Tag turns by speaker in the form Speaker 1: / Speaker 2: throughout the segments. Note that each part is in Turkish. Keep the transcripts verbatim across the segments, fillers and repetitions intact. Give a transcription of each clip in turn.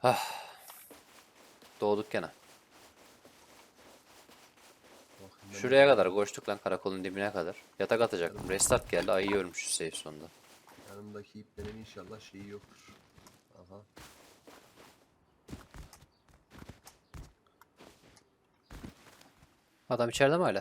Speaker 1: Ah. Doğduk gene. Şuraya kadar koştuk lan, karakolun dibine kadar. Yatak atacaktım. Restart geldi. Ayı ölmüş safe sonunda.
Speaker 2: Yanımdaki iplerin inşallah şeyi yoktur. Aha.
Speaker 1: Adam içeride mi hala?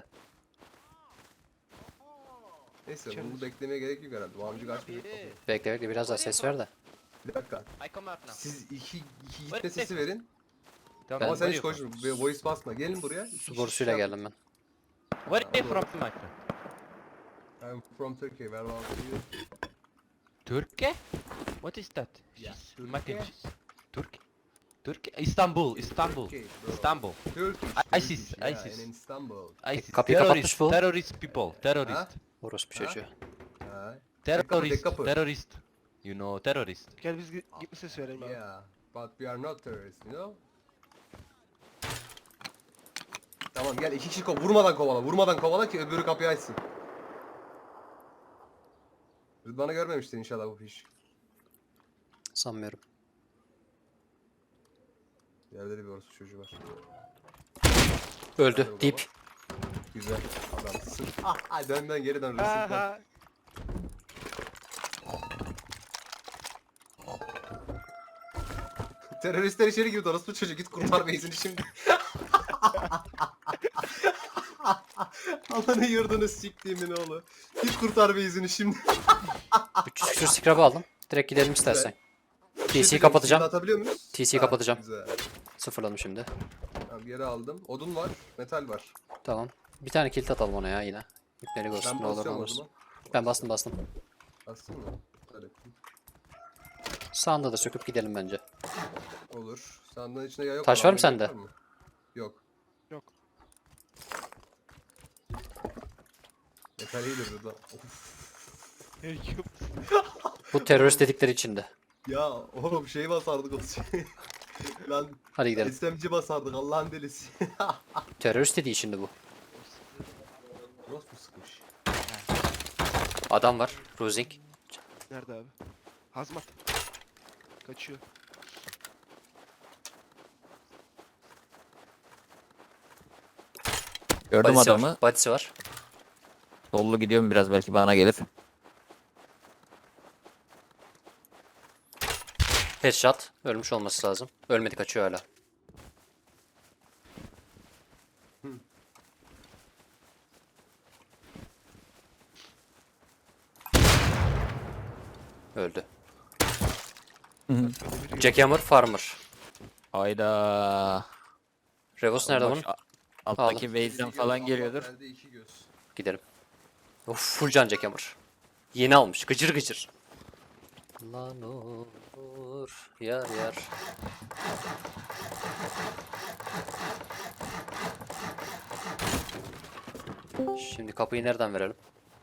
Speaker 2: Neyse
Speaker 3: İçeride.
Speaker 2: bunu beklemeye gerek yok herhalde. Bu amcık açmayacak kapıyı.
Speaker 1: Bekle bekle, biraz daha ses ver de.
Speaker 2: Bir dakika.
Speaker 3: I come out now.
Speaker 2: Siz iki, iki gitme sesi verin.
Speaker 3: Down
Speaker 1: Ben-
Speaker 2: Ama sen
Speaker 3: where
Speaker 2: hiç
Speaker 3: are you
Speaker 2: koşma. Voice basma. Gelin buraya. İki
Speaker 1: Su
Speaker 2: kişi
Speaker 1: borusuyla
Speaker 2: şey
Speaker 1: geldim ben.
Speaker 3: from? Where are you from, my friend?
Speaker 2: I'm from Turkey. Where are you?
Speaker 3: Turkey? What is that?
Speaker 2: Yeah,
Speaker 3: She's
Speaker 2: Turkey.
Speaker 3: mac and cheese. Turkey? Turkey? Istanbul, Istanbul.
Speaker 2: Turkey, bro.
Speaker 3: Istanbul.
Speaker 2: Turkish.
Speaker 3: I- ISIS,
Speaker 2: Turkish, yeah,
Speaker 3: ISIS.
Speaker 2: in Istanbul.
Speaker 3: ISIS.
Speaker 1: kapıyı
Speaker 3: Terrorist,
Speaker 1: kapatmış bu.
Speaker 3: terrorist people, terrorist.
Speaker 2: Ha?
Speaker 1: Orospu
Speaker 2: Ha?
Speaker 1: çocuğu.
Speaker 2: Ha.
Speaker 3: Terrorist,
Speaker 2: kapı.
Speaker 3: terrorist. You know terrorist.
Speaker 4: Gel biz gi- gitme sesi verelim abi.
Speaker 2: Yeah, but we are not terrorists, you know? Tamam gel iki kişi ko vurmadan kovala, vurmadan kovala ki öbürü kapıyı açsın. Rıdvan'ı görmemiştin inşallah bu iş.
Speaker 1: Sanmıyorum.
Speaker 2: Yerde de bir orası çocuğu var.
Speaker 1: Öldü.
Speaker 2: Hadi
Speaker 1: Dip.
Speaker 2: bakalım. Güzel adamsın. Ah, ah dön dön geri dön Rıdvan.
Speaker 4: Aha.
Speaker 2: Teröristler içeri girdi orası çocuk git kurtar beyzini şimdi. Alanı yurdunu siktiğimin oğlu. Git kurtar beyzini şimdi.
Speaker 1: üç yüz küsür scrap'ı aldım. Direkt gidelim istersen. T C'yi
Speaker 2: Şimdi
Speaker 1: kapatacağım.
Speaker 2: atabiliyor muyuz?
Speaker 1: T C'yi
Speaker 2: Ha,
Speaker 1: kapatacağım.
Speaker 2: Güzel.
Speaker 1: Sıfırladım şimdi.
Speaker 2: Tamam geri aldım. Odun var, metal var.
Speaker 1: Tamam. Bir tane kilit atalım ona ya yine. İpleri
Speaker 2: Ben
Speaker 1: görsün ne olur ne
Speaker 2: basıyorum
Speaker 1: olmaz.
Speaker 2: odunu.
Speaker 1: Ben bastım bastım.
Speaker 2: Bastın mı? Hadi.
Speaker 1: Sağında da söküp gidelim bence.
Speaker 2: Olur. Sandığın içinde yay yok.
Speaker 1: Taş
Speaker 2: mu?
Speaker 1: var mı sende?
Speaker 2: Var mı? Yok.
Speaker 4: Yok.
Speaker 2: Metal iyidir burada. Of.
Speaker 4: Yok.
Speaker 1: Bu terörist dedikleri içinde.
Speaker 2: Ya oğlum şey basardık o şey. Lan
Speaker 1: Hadi gidelim.
Speaker 2: S M G basardık Allah'ın delisi.
Speaker 1: Terörist dediği içinde bu.
Speaker 2: Nasıl bu sıkmış?
Speaker 1: Adam var. Rosing.
Speaker 4: Nerede abi? Hazmat. Kaçıyor.
Speaker 5: Gördüm
Speaker 1: Badisi
Speaker 5: adamı.
Speaker 1: var. Badisi var.
Speaker 5: Sollu gidiyorum biraz belki bana gelir.
Speaker 1: Headshot. Ölmüş olması lazım. Ölmedi, kaçıyor hala. Öldü. Jackhammer Farmer.
Speaker 5: Hayda.
Speaker 1: Revos nerede
Speaker 5: Bak,
Speaker 1: bunun?
Speaker 5: a- Alttaki base'den
Speaker 2: İki
Speaker 5: falan
Speaker 2: göz,
Speaker 5: geliyordur.
Speaker 2: Allah verdi iki göz.
Speaker 1: Gidelim. Of, full can Jackhammer. Yeni almış. Gıcır gıcır. Lan olur. Yar yar. Şimdi kapıyı nereden verelim?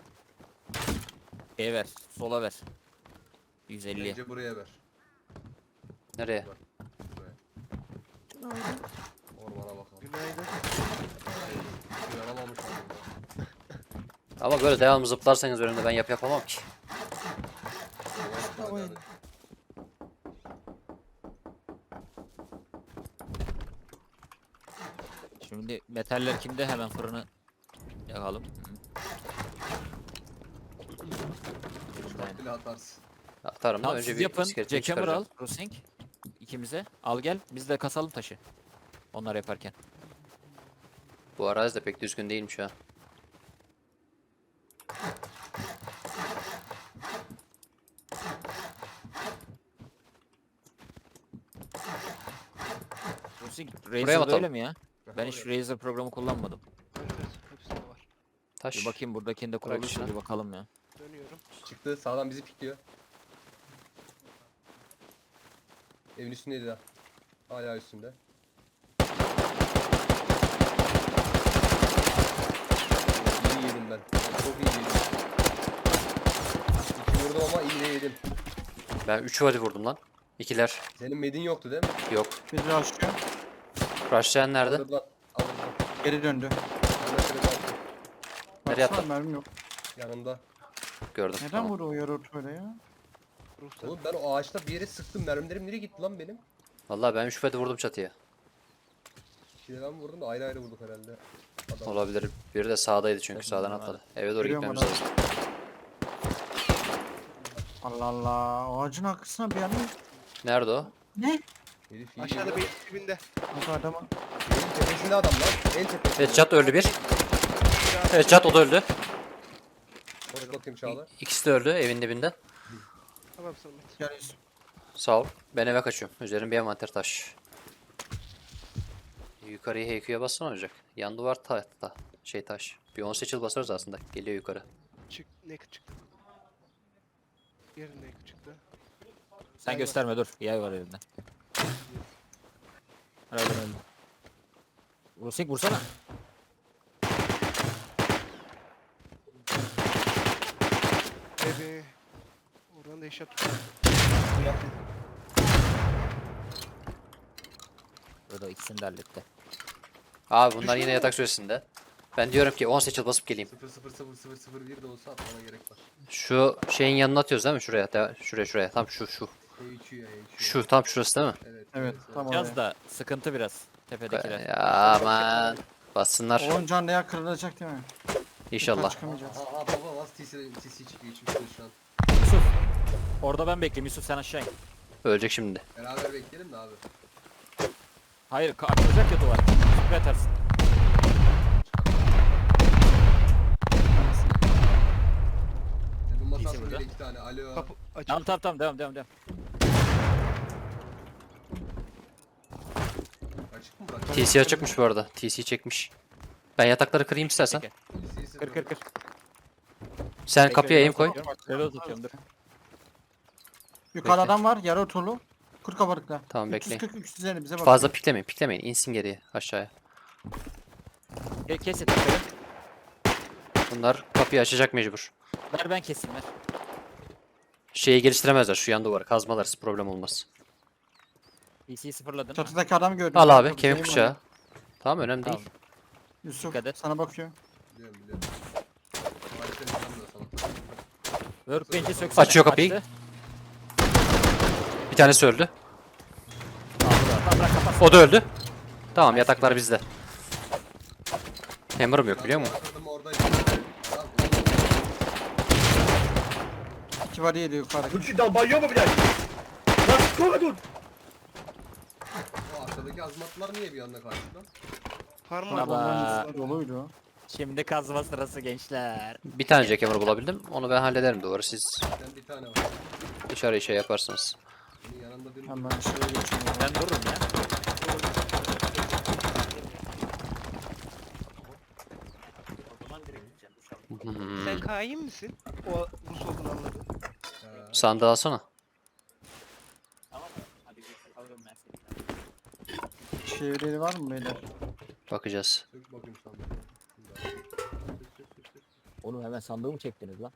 Speaker 5: E ver. Sola ver. yüz elli.
Speaker 2: Bence buraya ver.
Speaker 1: Nereye?
Speaker 2: Buraya. Ormana bakalım.
Speaker 4: Günaydın.
Speaker 2: Uyanamamış oldum.
Speaker 1: Ama böyle devamlı zıplarsanız önümde ben yap yapamam ki.
Speaker 2: Tamam.
Speaker 5: Şimdi metaller kimde? Hemen fırını yakalım.
Speaker 2: Bile atarsın.
Speaker 1: Atarım da
Speaker 5: Tamam
Speaker 1: önce
Speaker 5: siz
Speaker 1: bir
Speaker 5: yapın.
Speaker 1: iskeletini
Speaker 5: Jackhammer al.
Speaker 1: çıkaracağım.
Speaker 5: Crossing. İkimize. Al gel. Biz de kasalım taşı. Onlar yaparken.
Speaker 1: Bu arazi de pek düzgün değilmiş ha.
Speaker 5: Crossing.
Speaker 1: Buraya mı
Speaker 5: Razer
Speaker 1: atalım?
Speaker 5: böyle mi ya? Ben hiç Razer programı kullanmadım.
Speaker 4: Evet, evet. Hepsinde var.
Speaker 1: Taş.
Speaker 5: Bir bakayım buradakinde
Speaker 1: Bırak
Speaker 5: kurulmuş
Speaker 1: şunu.
Speaker 5: mu bir bakalım ya.
Speaker 4: Dönüyorum.
Speaker 2: Çıktı sağdan bizi pikliyor. Evin üstündeydi daha. Hala üstünde. İyi yedim ben. Çok iyi yedim. İki vurdum ama iyi de yedim.
Speaker 1: Ben üç vadi vurdum lan. İkiler.
Speaker 2: Senin medin yoktu değil mi?
Speaker 1: Yok.
Speaker 6: Bizi açıyor.
Speaker 1: Rushlayan nerede?
Speaker 2: Alırlar. Alırlar.
Speaker 6: Geri döndü.
Speaker 2: Ben de şöyle baktım.
Speaker 1: Nereye
Speaker 6: Baksana,
Speaker 1: attın?
Speaker 6: mermim yok.
Speaker 2: Yanımda.
Speaker 1: Gördüm.
Speaker 6: Neden
Speaker 1: Tamam.
Speaker 6: vuruyor yarı öyle ya?
Speaker 4: Ruhsat.
Speaker 2: Oğlum ben o ağaçta bir yere sıktım. Mermilerim nereye gitti lan benim?
Speaker 1: Vallahi ben şüphede vurdum çatıya.
Speaker 2: İkide ben vurdum da ayrı ayrı vurduk herhalde. Adam.
Speaker 1: Olabilir. Biri de sağdaydı çünkü
Speaker 5: Evet,
Speaker 1: sağdan
Speaker 5: bilmiyorum
Speaker 1: atladı. Eve doğru
Speaker 6: Görüyorum
Speaker 1: gitmemiz
Speaker 6: adamı.
Speaker 1: lazım.
Speaker 6: Allah Allah. Ağacın arkasına bir yana.
Speaker 1: Nerede o?
Speaker 6: Ne?
Speaker 2: Herif iyi
Speaker 4: Aşağıda
Speaker 2: geliyor.
Speaker 4: bir dibinde.
Speaker 6: Kanka adamı.
Speaker 2: Evin tepesinde adam lan. En tepesinde.
Speaker 1: Evet Cat öldü bir. Evet Cat o da öldü.
Speaker 2: Hoş bakayım Çağla.
Speaker 1: İkisi de öldü evin dibinde.
Speaker 4: Tamam Samet.
Speaker 6: Gel Yusuf.
Speaker 1: Sağ ol. Ben eve kaçıyorum. Üzerim bir envanter taş. Yukarıya H Q'ya bassana olacak. Yan duvar ta ta şey taş. Bir on seçil basarız aslında. Geliyor yukarı.
Speaker 4: Çık. Naked çıktı. Yarın naked çıktı.
Speaker 5: Sen gösterme dur. Yay var elinde. Öyle öyle. Rusik vursana.
Speaker 4: Bebe. Oradan da eşya tuttu.
Speaker 5: O da ikisini de halletti.
Speaker 1: Abi bunlar yine yatak süresinde. Ben diyorum ki on seçil basıp geleyim.
Speaker 2: sıfır sıfır sıfır sıfır sıfır bir de olsa atmana gerek var.
Speaker 1: Şu şeyin yanına atıyoruz değil mi? Şuraya. de- Şuraya şuraya. Tam şu şu.
Speaker 2: H Q ya H Q.
Speaker 1: Şu tam şurası değil mi?
Speaker 2: Evet.
Speaker 6: Evet tamam.
Speaker 5: Biraz da sıkıntı biraz. Tepedekiler.
Speaker 1: Ya aman. Bassınlar.
Speaker 6: Oyun canlı ya kırılacak değil mi?
Speaker 1: İnşallah.
Speaker 6: Yukarı çıkamayacağız.
Speaker 2: Aha aha baba nasıl T C T C çıkıyor içimizde şu an.
Speaker 5: Yusuf. Orada ben bekleyeyim. Yusuf sen aşağı in.
Speaker 1: Ölecek şimdi.
Speaker 2: Beraber bekleyelim de abi.
Speaker 5: Hayır ka- açılacak ya duvar. Sprey atarsın.
Speaker 2: Ya bu masa
Speaker 5: İyisi
Speaker 2: aslında
Speaker 5: burada.
Speaker 2: bile iki tane. Alo.
Speaker 4: Kapı açık.
Speaker 5: Tamam tamam tamam devam devam devam.
Speaker 2: Açık mı bırak?
Speaker 1: T C açıkmış bu arada. T C çekmiş. Ben yatakları kırayım istersen.
Speaker 5: Peki.
Speaker 2: T C
Speaker 5: Kır kır kır.
Speaker 1: Sen kapıya eğim koy.
Speaker 5: Reload atıyorum dur.
Speaker 6: Yukarıda
Speaker 1: Bekle.
Speaker 6: adam var yarı oturlu. Kır kabarıkla.
Speaker 1: Tamam, bekleyin.
Speaker 6: üç yüz kırk üç yüz elli bize bak.
Speaker 1: Fazla piklemeyin. Piklemeyin. İnsin geriye aşağıya.
Speaker 5: Ke- Kes yatakları.
Speaker 1: Bunlar kapıyı açacak mecbur.
Speaker 5: Ver ben keseyim ver.
Speaker 1: Şeyi geliştiremezler şu yan duvarı. Kazmalarız. Problem olmaz.
Speaker 5: P C'yi sıfırladın.
Speaker 6: Çatıdaki adamı gördüm.
Speaker 1: Al abi.
Speaker 6: Çok
Speaker 1: Kemik
Speaker 6: güzel
Speaker 1: bıçağı.
Speaker 6: var.
Speaker 1: Tamam önemli
Speaker 5: Tamam.
Speaker 1: değil.
Speaker 6: Yusuf
Speaker 5: Dikkat et.
Speaker 6: sana bakıyor.
Speaker 2: Biliyorum biliyorum. Harika bir adam da sana.
Speaker 5: Workbench'i söksene.
Speaker 1: Açıyor kapıyı.
Speaker 5: Açtı.
Speaker 1: Bir tanesi öldü.
Speaker 5: Tamam tamam bırak kapat.
Speaker 1: O da öldü. Tamam yataklar bizde. Hammer'ım yok biliyor musun?
Speaker 2: Adam oradaydı. Adam
Speaker 6: İki var yedi yukarıdaki.
Speaker 7: Lütfi dalbayıyor mu bile? Nasıl koydun?
Speaker 2: o arkadaki azmatlar niye bir anda karşıda?
Speaker 4: Parmak.
Speaker 5: Baba.
Speaker 6: Onların üstü doluydu.
Speaker 5: Şimdi kazma sırası gençler.
Speaker 1: Bir tane jackhammer bulabildim. Onu ben hallederim duvarı. Siz
Speaker 2: Sen bir tane var.
Speaker 1: dışarıya şey yaparsınız.
Speaker 2: Senin yanında bir
Speaker 6: Hemen şuraya geçiyorum.
Speaker 5: Ben dururum ya.
Speaker 1: Hmm.
Speaker 4: Sen kain misin? O Rus olduğunu anladım.
Speaker 1: Sandığı alsana.
Speaker 6: Çevreleri var mı beyler?
Speaker 1: Bakacağız.
Speaker 2: Sök bakayım sana.
Speaker 5: Oğlum hemen sandığı mı çektiniz lan?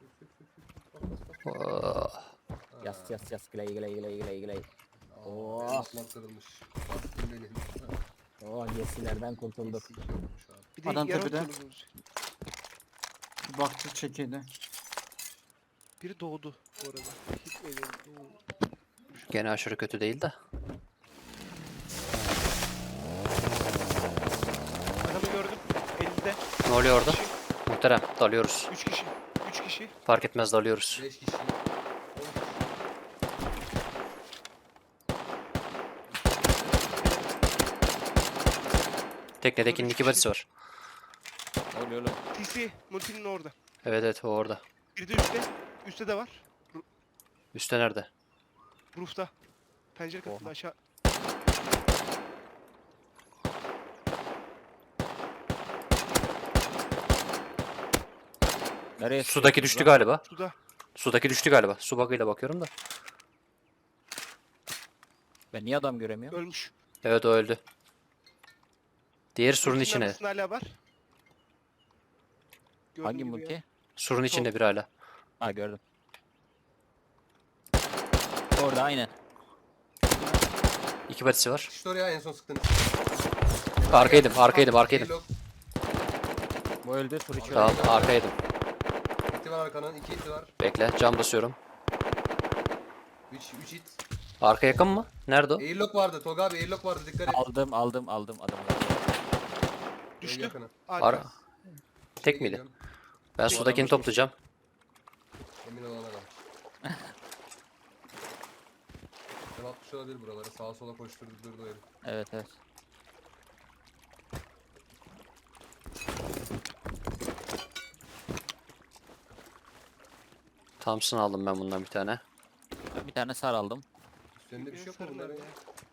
Speaker 1: Oh.
Speaker 5: Yas yas yas gley gley gley gley gley.
Speaker 2: Oo.
Speaker 5: Oh.
Speaker 2: Azmat kırılmış. Bastım benim.
Speaker 5: Oh yesilerden kurtulduk.
Speaker 2: Eksik yokmuş abi.
Speaker 4: Bir de
Speaker 6: Adam
Speaker 4: yarı
Speaker 6: tepede.
Speaker 4: oturdu olacak.
Speaker 6: Bir baktı çekildi.
Speaker 4: Biri doğdu bu arada. Hiç öyle doğdu.
Speaker 1: Gene aşırı kötü değil de.
Speaker 4: Adamı gördüm. Elinde.
Speaker 1: Ne oluyor orada?
Speaker 4: Kişi.
Speaker 1: Muhterem dalıyoruz.
Speaker 4: Üç kişi. Üç kişi.
Speaker 1: Fark etmez dalıyoruz.
Speaker 2: beş kişi.
Speaker 1: Teknedekinin iki badisi var.
Speaker 5: Ne oluyor oğlum?
Speaker 4: T C. Multi'nin orada.
Speaker 1: Evet evet o orada.
Speaker 4: Biri de üstte. Üstte de var.
Speaker 1: Üstte nerede?
Speaker 4: Roof'ta. Pencere katında aşağı.
Speaker 5: Nereye?
Speaker 1: Sudaki düştü galiba.
Speaker 4: Suda.
Speaker 1: Sudaki düştü galiba. Su bug'ıyla bakıyorum da.
Speaker 5: Ben niye adam göremiyorum?
Speaker 4: Ölmüş.
Speaker 1: Evet o öldü. Diğeri surun
Speaker 4: Multi'nin
Speaker 1: içine.
Speaker 4: arkasında hala var. Gördüğün
Speaker 5: Hangi
Speaker 4: gibi
Speaker 5: multi?
Speaker 4: ya.
Speaker 1: Surun içinde bir hala.
Speaker 5: Ha gördüm. Orada aynen.
Speaker 1: İki badisi var.
Speaker 2: İşte oraya en son sıktınız.
Speaker 1: Arkaydım arkaydım arkaydım.
Speaker 2: Reload.
Speaker 5: Bu öldü. Tur içi
Speaker 1: Tamam
Speaker 5: öldü.
Speaker 1: arkaydım.
Speaker 2: İti var arkanın. iki iti var.
Speaker 1: Bekle cam basıyorum.
Speaker 2: üç üç it.
Speaker 1: Arka yakın mı? Nerede o?
Speaker 2: Airlock vardı Tolga abi, airlock vardı, dikkat et.
Speaker 5: Aldım aldım aldım adamı.
Speaker 2: En
Speaker 4: Düştü.
Speaker 2: yakını.
Speaker 4: Arka.
Speaker 1: Ara. Tek miydi?
Speaker 2: Geliyorum.
Speaker 1: Ben sudakini toplayacağım.
Speaker 2: Emin olana kadar. Ben atmış olabilir buraları. Sağa sola koşturdu durdu o herif.
Speaker 5: Evet evet.
Speaker 1: Thompson aldım ben bundan bir tane.
Speaker 5: Ben bir tane sar aldım.
Speaker 2: Üstlerinde bir şey yok mu
Speaker 4: Sarılar
Speaker 2: bunların?
Speaker 4: ya.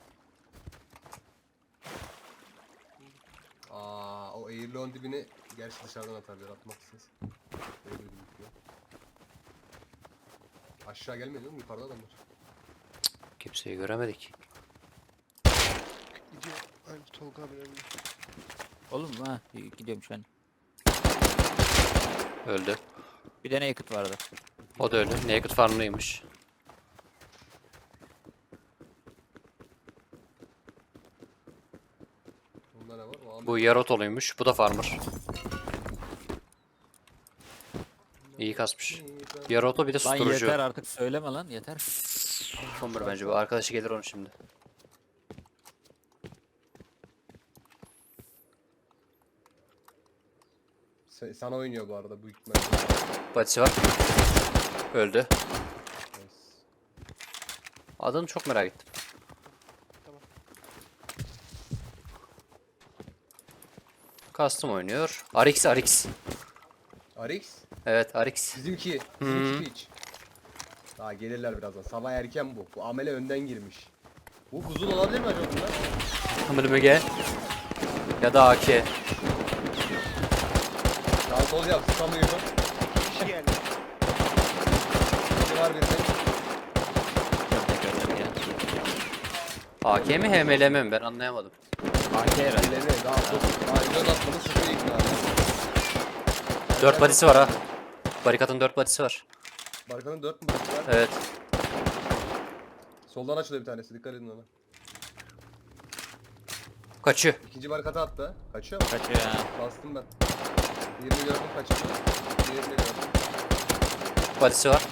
Speaker 2: Aa, o airlock'un dibini gerçi dışarıdan atabilir, atmak istesin. Öyle bir bitiyor. Aşağı gelmedi mi? Yukarıda adamlar.
Speaker 1: Kimseyi göremedik.
Speaker 4: Gidiyor. Aynı Tolga abi önünde.
Speaker 5: Olur mu ha? Gidiyorum şu an.
Speaker 1: Öldü.
Speaker 5: Bir de naked vardı.
Speaker 1: O da öldü. Naked farmlıymış.
Speaker 2: Bunda ne var? O an
Speaker 1: Bu Yarotolu'ymuş. Bu da farmer. İyi kasmış. Yaroto bir de
Speaker 5: Lan
Speaker 1: susturucu.
Speaker 5: yeter artık söyleme lan yeter.
Speaker 1: Bomber bence bu. Arkadaşı gelir onun şimdi.
Speaker 2: Se- sana oynuyor bu arada büyük ihtimalle.
Speaker 1: Badisi var. Öldü.
Speaker 2: Nice.
Speaker 1: Adını çok merak ettim.
Speaker 4: Tamam.
Speaker 1: Custom oynuyor. Arix Arix.
Speaker 2: Arix.
Speaker 1: Evet Arix.
Speaker 2: Bizimki. Bizimki hiç. Daha gelirler birazdan. Sabah erken bu. Bu amele önden girmiş. Bu buzul olabilir mi acaba bunlar?
Speaker 1: Hamırmıge. Ya da A K.
Speaker 2: Sağ sol yap. Tutamıyor.
Speaker 4: Kişi geldi.
Speaker 2: Biri var bir de.
Speaker 5: Gördük gördük ya.
Speaker 1: A K mi H M L M mi? Ben anlayamadım.
Speaker 5: A K herhalde.
Speaker 2: Elleri daha çok. Daha göz atmanı sıfır ikna.
Speaker 1: dört badisi var ha. Barikatın dört badisi var.
Speaker 2: Barkanın dört mü badisi var?
Speaker 1: Evet.
Speaker 2: Soldan açılıyor bir tanesi. Dikkat edin ona.
Speaker 1: Kaçıyor.
Speaker 2: İkinci barikata attı. Kaçıyor mu?
Speaker 5: Kaçıyor ya.
Speaker 2: Bastım ben. Birini gördüm kaçırdı. Diğerini gördüm.
Speaker 1: Badisi var.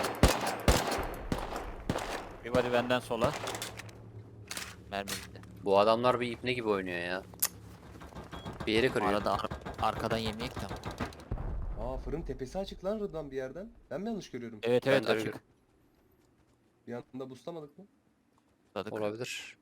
Speaker 5: Bir body benden sola. Mermi gitti.
Speaker 1: Bu adamlar bir ipne gibi oynuyor ya. Bir yeri kırıyor.
Speaker 5: Arada ar- arkadan yemeyek de.
Speaker 2: Aa, fırın tepesi açık lan Rıdvan bir yerden. Ben mi yanlış görüyorum?
Speaker 5: Evet
Speaker 1: Ben
Speaker 5: evet
Speaker 1: de
Speaker 5: açık.
Speaker 1: öyle.
Speaker 2: Bir anda boostamadık mı?
Speaker 5: Atladık.
Speaker 1: Olabilir.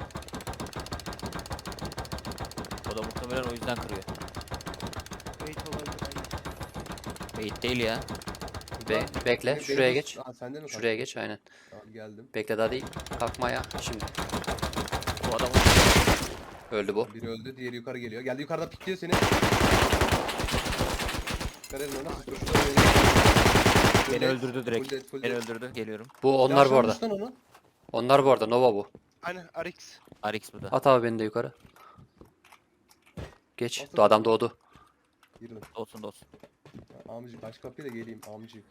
Speaker 5: O da muhtemelen o yüzden kırıyor.
Speaker 4: Wait olabilir. Aynen.
Speaker 5: Bait değil ya.
Speaker 1: Be
Speaker 2: Rıdvan,
Speaker 1: bekle.
Speaker 2: benim-
Speaker 1: Şuraya
Speaker 2: benim
Speaker 1: geç.
Speaker 2: boost- Aa, sende mi?
Speaker 1: Şuraya geç aynen.
Speaker 2: Tamam geldim.
Speaker 1: Bekle daha değil. Kalkma ya. Şimdi.
Speaker 5: Bu adam
Speaker 1: Öldü bu.
Speaker 2: Biri öldü, diğeri yukarı geliyor. Geldi yukarıdan pikliyor seni. Dikkat edin ona. Siz koşuyor.
Speaker 5: beni öldürdü direkt.
Speaker 2: Full dead, full
Speaker 5: Beni
Speaker 2: dead.
Speaker 5: öldürdü. Geliyorum.
Speaker 1: Bu onlar bu arada.
Speaker 2: Yaşlanmış lan onu.
Speaker 1: Onlar bu arada. Nova bu.
Speaker 4: Aynen Arix.
Speaker 5: Arix bu da.
Speaker 1: At abi beni de yukarı. Geç.
Speaker 2: Atın.
Speaker 1: Bu adam doğdu.
Speaker 2: Girdim.
Speaker 5: Olsun da olsun.
Speaker 2: Amcık aç kapıyı da geleyim amcık.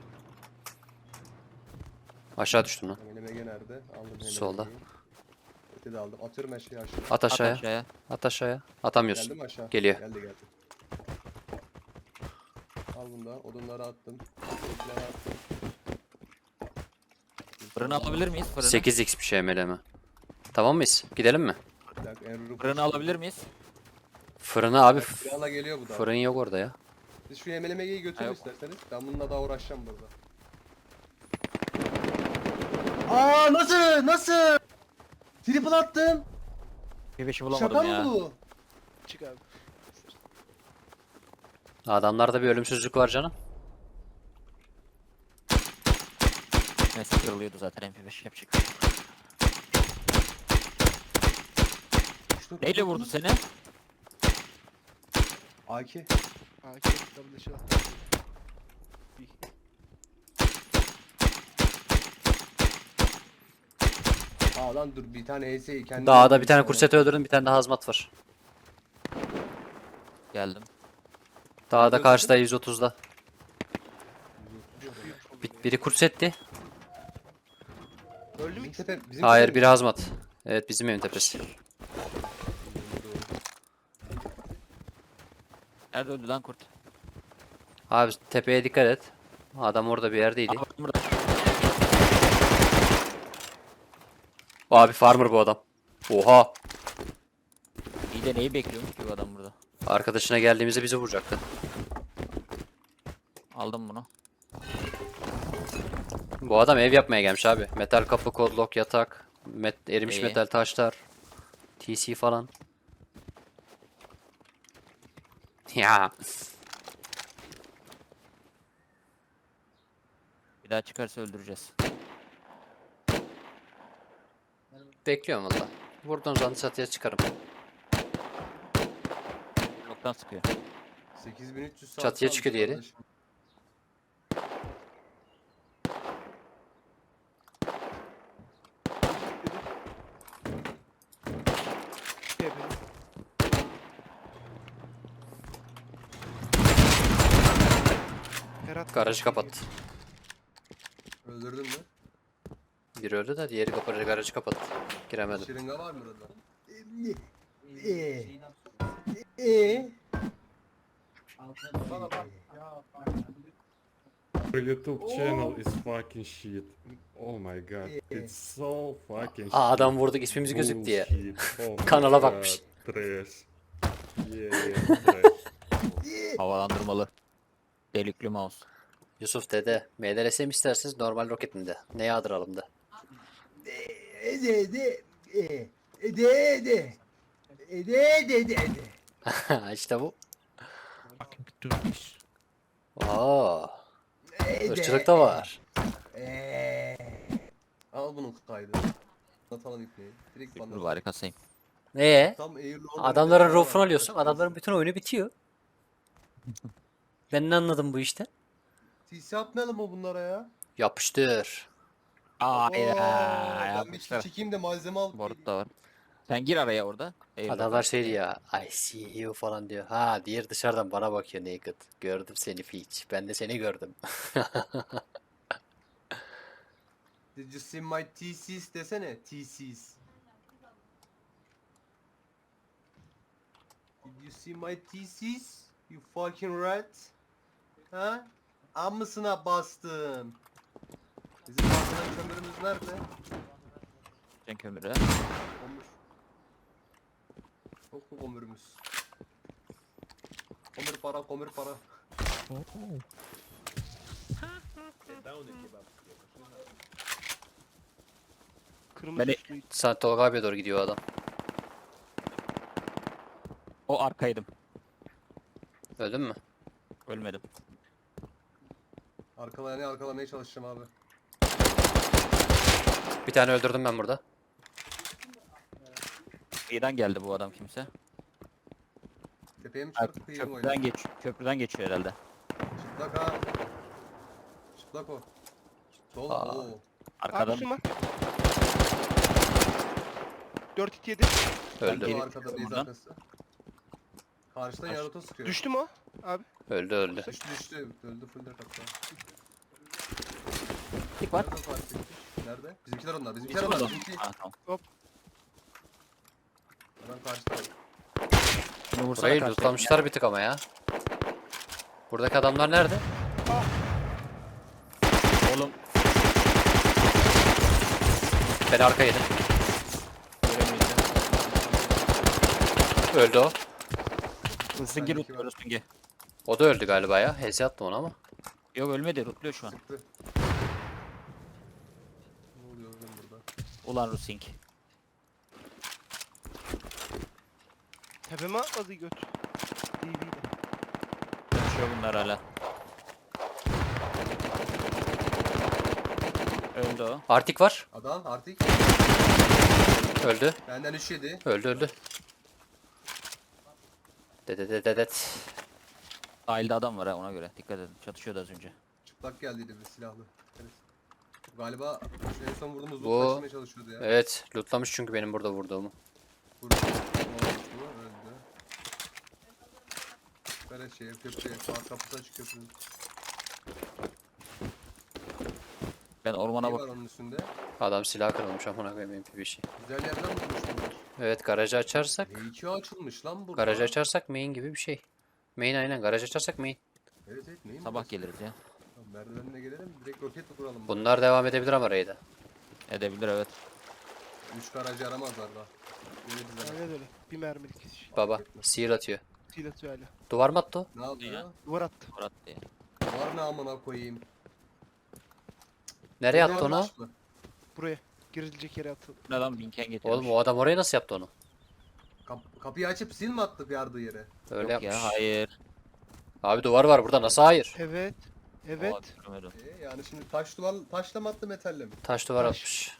Speaker 1: Aşağı düştüm lan.
Speaker 2: Hemen M G nerede? Aldım hemen.
Speaker 1: Solda.
Speaker 2: Öte de aldım. Atıyorum her şeyi aşağı.
Speaker 1: At
Speaker 5: At
Speaker 1: aşağıya.
Speaker 5: aşağıya.
Speaker 1: At aşağıya. Atamıyorsun.
Speaker 2: Geldi mi aşağı?
Speaker 1: Geliyor.
Speaker 2: Geldi geldi. Al bunu da. Odunları attım. Odunları attım.
Speaker 5: Fırını alabilir miyiz? Fırını.
Speaker 1: sekiz x bir şey M L M. Tamam mıyız? Gidelim mi?
Speaker 2: Bir dakika, Enrur'u
Speaker 5: Fırını alabilir miyiz?
Speaker 1: Fırını abi. f-
Speaker 2: Silahla geliyor bu da.
Speaker 1: Fırın yok orada ya.
Speaker 2: Siz şu M L M G'yi götürün
Speaker 5: Yok.
Speaker 2: isterseniz. Ben bununla daha uğraşacağım burada. Aa, nasıl? Nasıl? Triple attım.
Speaker 5: Bir beşi
Speaker 2: Şaka
Speaker 5: bulamadım
Speaker 2: mı
Speaker 5: ya.
Speaker 2: bu?
Speaker 4: Çık abi.
Speaker 1: Adamlarda bir ölümsüzlük var canım.
Speaker 5: Neyse kırılıyordu zaten M P beş yapacak. bir şey yok.
Speaker 2: İşte
Speaker 5: Neyle vurdu seni?
Speaker 2: A K.
Speaker 4: A K double shot.
Speaker 2: Aa lan dur, bir tane E S'yi kendi.
Speaker 1: Dağda bir tane kurset öldürdüm. Bir tane de hazmat var.
Speaker 5: Geldim.
Speaker 1: Dağda karşıda yüz otuzda.
Speaker 4: Büyük
Speaker 1: Bir, biri kursetti.
Speaker 4: Öldü mü
Speaker 2: Bizim
Speaker 4: ikisi?
Speaker 2: tepe, bizim
Speaker 1: Hayır
Speaker 2: tepe-
Speaker 1: biri hazmat. Evet bizim evin tepesi.
Speaker 5: Nerede öldü lan kurt?
Speaker 1: Abi tepeye dikkat et. Adam orada bir yerdeydi.
Speaker 5: Aa, burada.
Speaker 1: Abi farmer bu adam. Oha.
Speaker 5: İyi de neyi bekliyormuş ki bu adam burada?
Speaker 1: Arkadaşına geldiğimizde bizi vuracaktı.
Speaker 5: Aldım bunu.
Speaker 1: Bu adam ev yapmaya gelmiş abi. Metal kapı, kodlok, yatak, met erimiş
Speaker 5: İyi.
Speaker 1: metal taşlar, T C falan. Ya
Speaker 5: Bir daha çıkarsa öldüreceğiz.
Speaker 1: bekliyorum valla. Vurduğun zaman çatıya çıkarım.
Speaker 5: Bloktan sıkıyor.
Speaker 2: sekiz bin üç yüz saat
Speaker 1: Çatıya
Speaker 2: kalmış
Speaker 1: çıkıyor diğeri.
Speaker 2: kardeşim.
Speaker 4: Şey yapayım. Ferhat
Speaker 1: Garajı kapat.
Speaker 2: Öldürdün mü?
Speaker 1: Biri öldü de diğeri kapalı garajı kapattı. Giremedim.
Speaker 2: Şırınga var mı orada? Eee. Eee. Bana bak.
Speaker 8: Your YouTube channel is fucking shit. Oh my god, it's so fucking
Speaker 1: Aa, adam
Speaker 8: shit.
Speaker 1: vurduk ismimiz gözük diye.
Speaker 8: Bullshit. Oh my
Speaker 1: Kanala
Speaker 8: god,
Speaker 1: bakmış.
Speaker 8: Trash. Yeah, yeah, trash.
Speaker 5: Havalandırmalı. Delikli mouse.
Speaker 1: Yusuf dede, M L R S mi isterseniz normal roket mi de? Ne yağdıralım da?
Speaker 2: Ede ede. Ede ede. Ede ede ede ede.
Speaker 1: İşte bu.
Speaker 4: fucking Turkish.
Speaker 1: Oo,
Speaker 2: Ede.
Speaker 1: ırkçılık da var.
Speaker 2: Eee. Al bunun kaydı. Atalım ipneyi. Direkt
Speaker 5: Dur
Speaker 2: bana.
Speaker 5: bari kasayım.
Speaker 1: Ee,
Speaker 2: Tam Eylül
Speaker 1: adamların rofunu alıyorsun. Adamların bütün oyunu bitiyor. Ben ne anladım bu işte?
Speaker 2: T C atmayalım mı bunlara ya?
Speaker 1: Yapıştır.
Speaker 5: Aa
Speaker 2: Oo, Ben bir
Speaker 5: yapmışlar.
Speaker 2: çekeyim de malzeme alıp
Speaker 5: Borut
Speaker 2: geleyim.
Speaker 5: da var. Sen gir araya orada. Eyvallah.
Speaker 1: Adamlar şey diyor ya. I see you falan diyor. Ha, diğer dışarıdan bana bakıyor naked. Gördüm seni Peach. Ben de seni gördüm.
Speaker 2: Did you see my T Cs desene. T Cs. Did you see my T Cs? You fucking rat. Ha? Amısına bastım. Bizim bastıran kömürümüz nerede?
Speaker 5: Sen kömürü.
Speaker 2: Kömür. Çok mu kömürümüz? Kömür para, kömür para.
Speaker 4: Kırmızı
Speaker 5: Ben-
Speaker 4: üstlü.
Speaker 1: Sen Tolga abiye doğru gidiyor o adam.
Speaker 5: O arkaydım.
Speaker 1: Öldün mü?
Speaker 5: Ölmedim.
Speaker 2: Arkalamaya arkalamaya çalışacağım abi.
Speaker 1: Bir tane öldürdüm ben burada.
Speaker 5: Kıyıdan geldi bu adam kimse.
Speaker 2: Tepeye mi
Speaker 5: Ha,
Speaker 2: çıkartıp kıyım oyunu?
Speaker 5: köprüden geç köprüden geçiyor herhalde.
Speaker 2: Çıplak ha. Çıplak o. Sol.
Speaker 1: Aa.
Speaker 2: Oo.
Speaker 5: Arkadan
Speaker 4: Abi var. dört hit yedi.
Speaker 1: Öldü.
Speaker 5: geri
Speaker 2: O arkada
Speaker 5: çıkıyorum
Speaker 2: base
Speaker 5: buradan.
Speaker 2: arkası. Karşıdan
Speaker 5: Kaç-
Speaker 2: Yaruto sıkıyor.
Speaker 4: Düştü mü o? Abi.
Speaker 1: Öldü öldü.
Speaker 2: Düştü düştü. Öldü full de hatta.
Speaker 5: Tik var.
Speaker 2: Nerede fark ettik? Nerede? Bizimkiler onlar. Bizimkiler
Speaker 5: Bizim
Speaker 2: onlar.
Speaker 5: adam.
Speaker 2: Bizimki.
Speaker 5: Ha, tamam.
Speaker 2: Adam karşıda.
Speaker 5: Bunu vursana
Speaker 1: Burayı
Speaker 5: karşıya.
Speaker 1: lootlamışlar bir tık ama ya. Buradaki adamlar nerede?
Speaker 5: Oğlum
Speaker 1: Ben arka yedim.
Speaker 5: göremeyeceğim.
Speaker 1: Öldü o.
Speaker 5: Rustingi rutluyor Rustingi.
Speaker 1: O da öldü galiba ya. Heze attı onu ama.
Speaker 5: Yok ölmedi rutluyor şu an.
Speaker 2: Sıktı. Ne oluyor oğlum burada?
Speaker 5: Ulan Rusting.
Speaker 4: Tepeme atladı göt. D V'de.
Speaker 5: Yaşıyor bunlar hala. Öldü o.
Speaker 1: Artik var.
Speaker 2: Adam artık
Speaker 1: Öldü.
Speaker 2: benden üç yedi.
Speaker 1: Öldü öldü. Dededededet.
Speaker 5: Sahilde adam var ha ona göre. Dikkat edin. Çatışıyordu az önce.
Speaker 2: Çıplak geldiydi bir silahlı. Evet. Galiba şu en son vurduğumuz
Speaker 1: Bu-
Speaker 2: loot taşımaya çalışıyordu ya.
Speaker 1: Evet. Lootlamış çünkü benim burada vurduğumu.
Speaker 2: Vurdu. Ne olmuş bu? Öldü. Böyle şey köprüye. Sağ kapısı açık köprünün.
Speaker 5: Ben ormana
Speaker 2: Ne var
Speaker 5: bak.
Speaker 2: onun üstünde?
Speaker 1: Adam silah kırılmış amına koyayım M P bir şey.
Speaker 2: Güzel yerden vurmuş bunlar.
Speaker 1: Evet, garajı açarsak.
Speaker 2: Ne iki açılmış lan burada.
Speaker 1: Garajı açarsak main gibi bir şey. Main aynen, garaj açarsak main.
Speaker 2: Evet evet neyim
Speaker 5: Sabah
Speaker 2: burası?
Speaker 5: geliriz ya.
Speaker 2: Tamam, merdivenine gelelim direkt roket mi kuralım?
Speaker 1: Bunlar devam edebilir ama raid'e.
Speaker 5: Edebilir evet.
Speaker 2: Üç garajı yaramazlar daha. Yürü bize.
Speaker 4: Aynen öyle. Bir mermilik iş.
Speaker 1: Baba sihir atıyor.
Speaker 4: Sil atıyor hala.
Speaker 1: Duvar mı attı o?
Speaker 2: Ne oldu
Speaker 5: Ya.
Speaker 2: ya?
Speaker 4: Duvar attı.
Speaker 5: Murat diye.
Speaker 2: Var ne amına koyayım.
Speaker 1: Nereye
Speaker 2: Duvar
Speaker 1: attı onu?
Speaker 2: taş mı?
Speaker 4: Buraya. Girilecek yere atıldı.
Speaker 5: Bu adam binken getirmiş.
Speaker 1: Oğlum o adam oraya nasıl yaptı onu?
Speaker 2: Kap- kapıyı açıp sil mi attık yardığı yere?
Speaker 1: Öyle
Speaker 5: Yok
Speaker 1: yapmış.
Speaker 5: ya hayır.
Speaker 1: Abi duvar var burada, nasıl hayır?
Speaker 4: Evet. Evet.
Speaker 5: Oha, görmedim.
Speaker 2: Ee, yani şimdi taş duvar taşla mı attı metalle mi?
Speaker 1: Taş duvar
Speaker 4: Taş.
Speaker 1: atmış.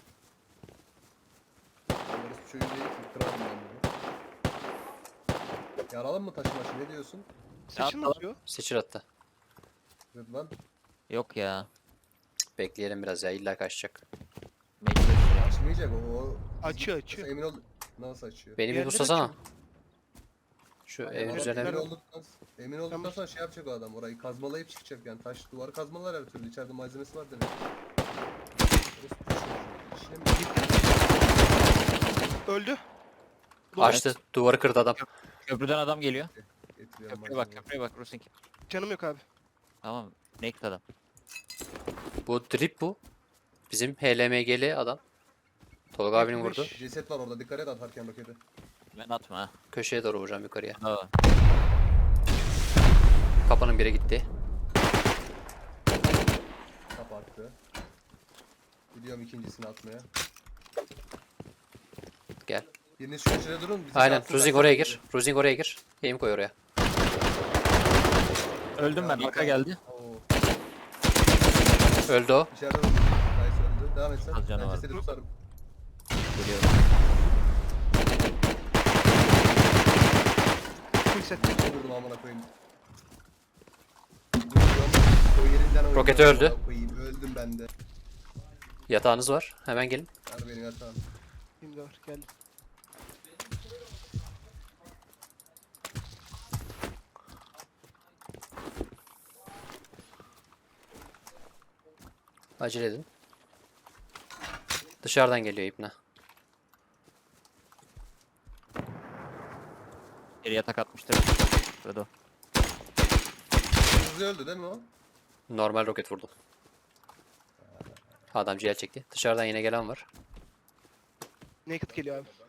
Speaker 2: Orası çocuğu değil ki kırarım ben bunu. Yaralım mı taşı başı ne diyorsun?
Speaker 4: Seçim
Speaker 5: atla-
Speaker 4: atıyor.
Speaker 1: Seçil attı.
Speaker 2: Rıdvan
Speaker 5: Yok ya.
Speaker 1: Bekleyelim biraz ya, illa kaçacak.
Speaker 5: Mecbur.
Speaker 2: açmayacak o. o
Speaker 4: Açıyor,
Speaker 2: Nasıl
Speaker 4: açıyor.
Speaker 2: Emin ol. Nasıl açıyor?
Speaker 1: Beni bir
Speaker 4: Yerleri
Speaker 1: buslasana.
Speaker 4: açıyor.
Speaker 1: Şu
Speaker 2: Adam
Speaker 1: evin
Speaker 2: emin
Speaker 1: üzerine.
Speaker 2: olduktan, emin olduktan
Speaker 4: Tamam.
Speaker 2: sonra şey yapacak o adam. Orayı kazmalayıp çıkacak yani. Taş duvarı kazmalar her türlü. İçeride malzemesi var demek. Orası bir şey. İşine mi?
Speaker 4: Öldü.
Speaker 1: Açtı. Duvarı kırdı adam.
Speaker 5: Köprüden adam geliyor.
Speaker 2: Getiriyorum
Speaker 5: Köprüye bak
Speaker 2: malzemeyi.
Speaker 5: köprüye bak Rusink.
Speaker 4: Canım yok abi.
Speaker 5: Tamam. Naked adam.
Speaker 1: Bu drip bu. Bizim H L M G'li adam. Tolga abinin
Speaker 4: Yetmiş
Speaker 1: vurdu.
Speaker 4: beş.
Speaker 2: Ceset var orada. Dikkat et atarken roketi.
Speaker 5: Ben atma ha.
Speaker 1: Köşeye doğru vuracağım, yukarıya.
Speaker 5: Aa,
Speaker 1: Kapının biri gitti.
Speaker 2: Kapattı. Gidiyorum ikincisini atmaya.
Speaker 1: Gel.
Speaker 2: Biriniz şu köşede durun. bizi
Speaker 1: Aynen.
Speaker 2: satsın,
Speaker 1: Ruzing
Speaker 2: kaçsın
Speaker 1: oraya
Speaker 2: bizi.
Speaker 1: gir. Ruzing oraya gir. Aim koy oraya.
Speaker 5: Öldüm ben. Arka geldi.
Speaker 2: Oo.
Speaker 1: Öldü o.
Speaker 2: İçeride Ruzing. Nice öldü. Devam et sen.
Speaker 5: Az canı
Speaker 2: Ben
Speaker 5: var.
Speaker 2: cesedi tutarım.
Speaker 5: Geliyorum.
Speaker 4: Full set.
Speaker 2: Ne vurdum amına koyayım. Vuruyorum. O yerinden oynuyorum
Speaker 1: Roketi öldü.
Speaker 2: amına koyayım. Öldüm ben de.
Speaker 1: Yatağınız var. Hemen gelin.
Speaker 2: Ver benim yatağım.
Speaker 4: Şimdi var. Geldim.
Speaker 1: Acele edin. Dışarıdan geliyor İbne.
Speaker 5: Bir yatak atmıştır. Burada o.
Speaker 2: Hızlı öldü değil mi o?
Speaker 1: Normal roket vurdum. Adam ciğer çekti. Dışarıdan yine gelen var.
Speaker 4: Naked geliyor abi.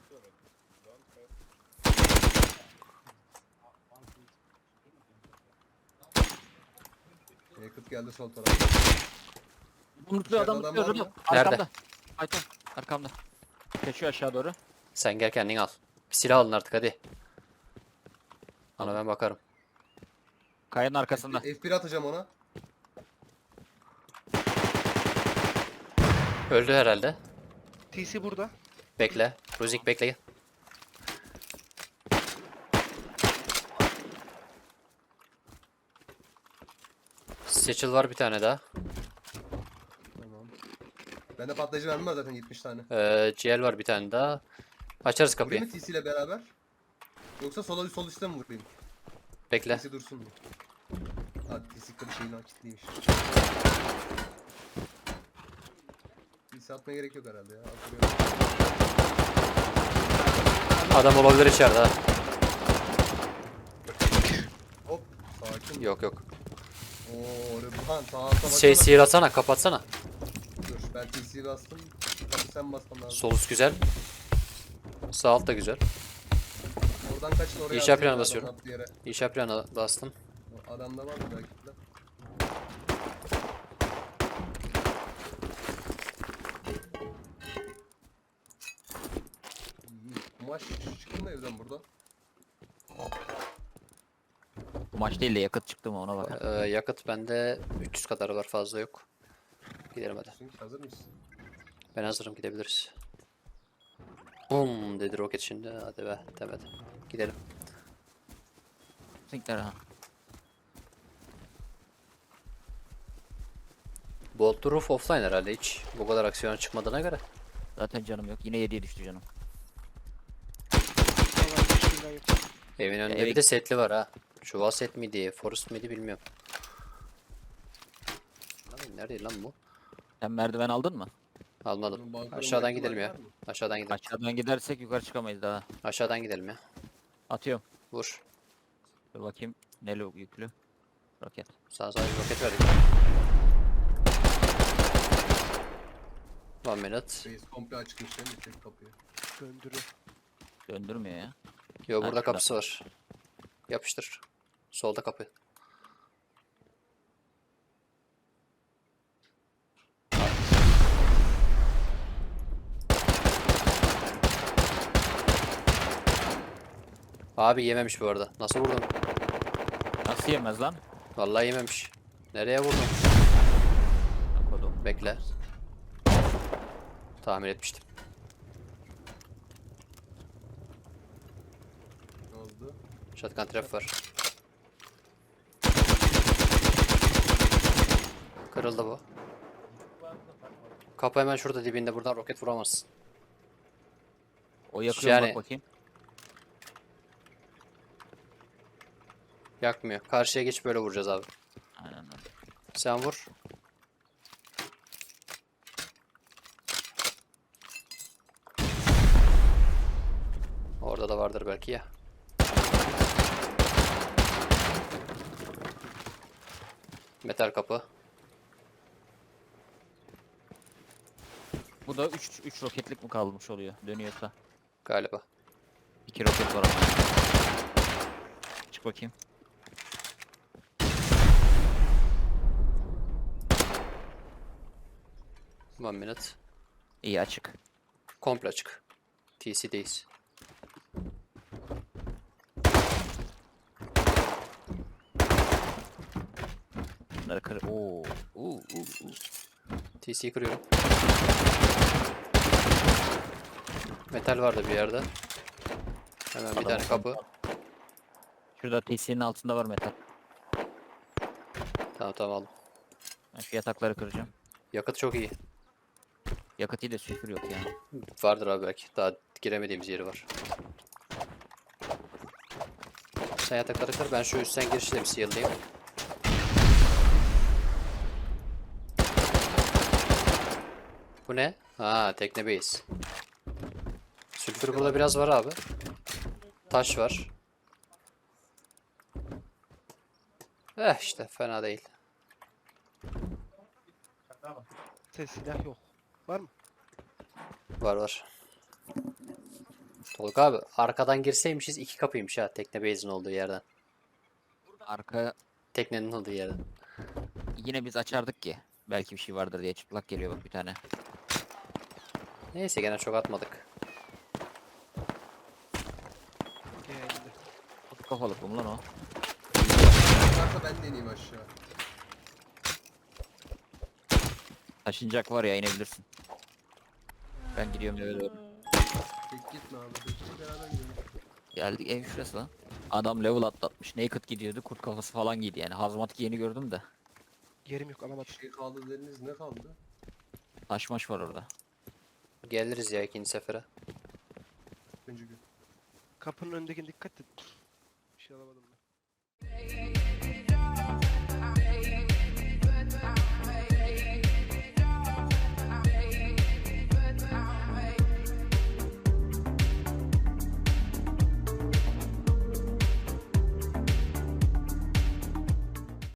Speaker 2: Yakıt geldi sol tarafa.
Speaker 5: Umutlu
Speaker 2: İçeride
Speaker 5: adam
Speaker 2: adam
Speaker 5: tutuyor
Speaker 2: var
Speaker 5: burada.
Speaker 2: mı?
Speaker 1: Nerede?
Speaker 5: Arkamda. Ayton. Arkamda. Kaçıyor aşağı doğru.
Speaker 1: Sen gel kendin al. Bir silah alın artık hadi. Ona ben bakarım.
Speaker 5: Kayanın arkasında.
Speaker 2: F bir atacağım ona.
Speaker 1: Öldü herhalde.
Speaker 4: T C burada.
Speaker 1: Bekle. Ruzik bekle. Seçil var bir tane daha.
Speaker 2: Tamam. Bende patlayıcı mermi var zaten yetmiş tane.
Speaker 1: Ee, G L var bir tane daha. Açarız
Speaker 2: Vurayım
Speaker 1: kapıyı.
Speaker 2: mı T C ile beraber? Yoksa sola sol üstte mi vurayım?
Speaker 1: Bekle.
Speaker 2: T C dursun mu? Hadi T C kırı şeyin akitliymiş. T C atmaya gerek yok herhalde ya. Atıyorum.
Speaker 1: Adam olabilir içeride ha.
Speaker 2: Hop sakin.
Speaker 1: Yok yok.
Speaker 2: Oo Rıdvan sağa alta
Speaker 1: Şey
Speaker 2: baksana.
Speaker 1: sihir atsana, kapatsana.
Speaker 2: Dur ben T C'yi bastım. Tabii sen basman lazım.
Speaker 1: Sol üst güzel. Sağ alt da güzel.
Speaker 2: Oradan kaçın oraya.
Speaker 1: İnşa
Speaker 2: atayım
Speaker 1: planı
Speaker 2: adam
Speaker 1: basıyorum.
Speaker 2: attığı yere.
Speaker 1: İnşa planı bastım.
Speaker 2: O adamda var mı belki de? İyi. Kumaş çıktı mı evden burada?
Speaker 5: Bu maç değil de yakıt çıktı mı ona bak.
Speaker 1: Ee, yakıt bende üç yüz kadar var, fazla yok. Gidelim hadi.
Speaker 2: Çünkü hazır mısın?
Speaker 1: Ben hazırım, gidebiliriz. Bum dedi roket şimdi. Hadi be demedi. Gidelim.
Speaker 5: Sinkler ha.
Speaker 1: Bolt Roof offline herhalde hiç. Bu kadar aksiyona çıkmadığına göre.
Speaker 5: Zaten canım yok. Yine yediye düştü canım.
Speaker 4: Vallahi hiç şeyden yok.
Speaker 1: Evin önünde
Speaker 5: eve
Speaker 1: bir de setli var ha. Çuval set miydi, forest miydi bilmiyorum. Lan nerede lan bu?
Speaker 5: Sen merdiven aldın mı?
Speaker 1: Almadım.
Speaker 2: Bunun balkonun
Speaker 1: Aşağıdan
Speaker 2: ihtimali
Speaker 1: gidelim ya.
Speaker 2: var mı?
Speaker 1: Aşağıdan gidelim.
Speaker 5: Aşağıdan gidersek yukarı çıkamayız daha.
Speaker 1: Aşağıdan gidelim ya.
Speaker 5: Atıyorum.
Speaker 1: Vur.
Speaker 5: Dur bakayım. Ne lo- yüklü? Roket.
Speaker 1: Sana sadece roket verdik. Lan One minute.
Speaker 2: Base komple açmış değil mi tek kapıyı?
Speaker 4: Döndürüyor.
Speaker 5: Döndürmüyor ya.
Speaker 1: Yo
Speaker 5: Ha,
Speaker 1: burada
Speaker 5: şurada.
Speaker 1: kapısı var. Yapıştır. Solda kapı. Abi yememiş bu arada. Nasıl vurdun?
Speaker 5: Nasıl yemez lan?
Speaker 1: Vallahi yememiş. Nereye vurdun?
Speaker 5: Kodum.
Speaker 1: Bekle. Tahmin etmiştim.
Speaker 2: Ne oldu?
Speaker 1: Shotgun trap var. Kırıldı bu. Kapı hemen şurada dibinde. Buradan roket vuramazsın.
Speaker 5: O yakıyor
Speaker 1: Yani-
Speaker 5: bak bakayım.
Speaker 1: Yakmıyor. Karşıya geç böyle vuracağız abi.
Speaker 5: Aynen öyle.
Speaker 1: Sen vur. Orada da vardır belki ya. Metal kapı.
Speaker 5: Bu da üç üç roketlik mi kalmış oluyor dönüyorsa.
Speaker 1: Galiba.
Speaker 5: iki roket var ama. Çık bakayım.
Speaker 1: One minute.
Speaker 5: İyi açık.
Speaker 1: Komple açık. T C'deyiz.
Speaker 5: Bunları kır. Oo. Oo, oo, oo.
Speaker 1: T C'yi kırıyorum. Metal vardı bir yerde. Hemen bir
Speaker 5: Adam
Speaker 1: tane kapı.
Speaker 5: Şurada T C'nin altında var metal.
Speaker 1: Tamam tamam aldım.
Speaker 5: Ben şu yatakları kıracağım.
Speaker 1: Yakıt çok iyi.
Speaker 5: Yakıt iyi de sülfür yok yani.
Speaker 1: Vardır abi belki. Daha giremediğimiz yeri var. Sen yatakları kır. Ben şu üstten girişi de bir seal'layayım. Bu ne? Ha, tekne base. Sülfür burada biraz var abi. Taş var. Eh işte fena değil.
Speaker 4: Ses silah yok. Var mı?
Speaker 1: Var var. Tolga abi arkadan girseymişiz iki kapıymış ha tekne base'in olduğu yerden.
Speaker 5: Arka
Speaker 1: Teknenin olduğu yerden.
Speaker 5: yine biz açardık ki. Belki bir şey vardır diye çıplak geliyor bak bir tane.
Speaker 1: Neyse gene çok atmadık.
Speaker 4: Geldi.
Speaker 5: Kutu kafalık mı lan o?
Speaker 2: Varsa ben de ineyim aşağı.
Speaker 5: Taşınacak var ya inebilirsin. Ben gidiyorum eve doğru.
Speaker 2: Tek gitme abi. Tek beraber gidelim.
Speaker 5: Geldik ev şurası lan. Adam level atlatmış. Naked gidiyordu. Kurt kafası falan giydi yani. Hazmat giyeni gördüm de.
Speaker 4: Yerim yok alamadım.
Speaker 2: Bir şey kaldı dediniz, ne kaldı?
Speaker 5: Taş maş var orada.
Speaker 1: Geliriz ya ikinci sefere.
Speaker 2: Üçüncü gün.
Speaker 4: Kapının önündekine dikkat et. Bir şey alamadım ben.